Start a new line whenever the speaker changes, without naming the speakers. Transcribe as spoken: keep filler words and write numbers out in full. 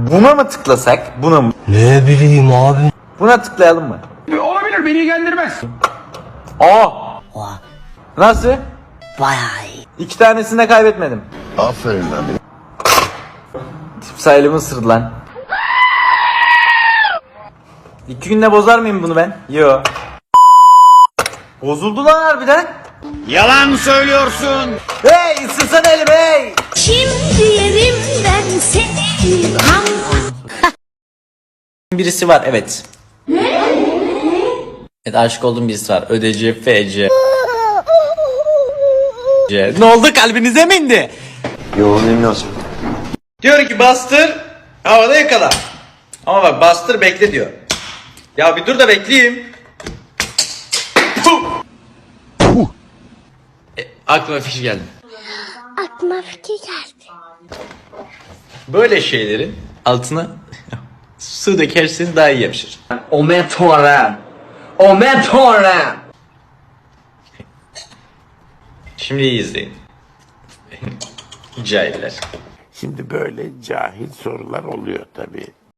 Buna mı tıklasak? Buna mı?
Ne bileyim abi.
Buna tıklayalım mı?
Olabilir, beni ilgilendirmez.
Aa!
Oha.
Nasıl?
Bayağı iyi.
İki tanesini de kaybetmedim.
Aferin lan.
Tip sayılımı ısırdı lan. İki günde bozar mıyım bunu ben? Yo. Bozuldu lan harbiden.
Yalan söylüyorsun.
Hey ısırsana elim hey.
Şimdi yerim ben seni.
Birisi var evet. Evet aşık olduğum birisi var. Ödeci F C. C. Ne oldu kalbinize mi indi?
Yo bilmiyorsun.
Diyor ki bastır havada yakala. Ama bak bastır bekle diyor. Ya bir dur da bekleyeyim. Puh. Puh. E, aklıma fikir geldi.
Aklıma fikir geldi.
Böyle şeylerin altına su dökerseniz daha iyi yapışır.
Omen Tanrım. Omen Tanrım.
Şimdi iyi izleyin. Cahiller.
Şimdi böyle cahil sorular oluyor tabii.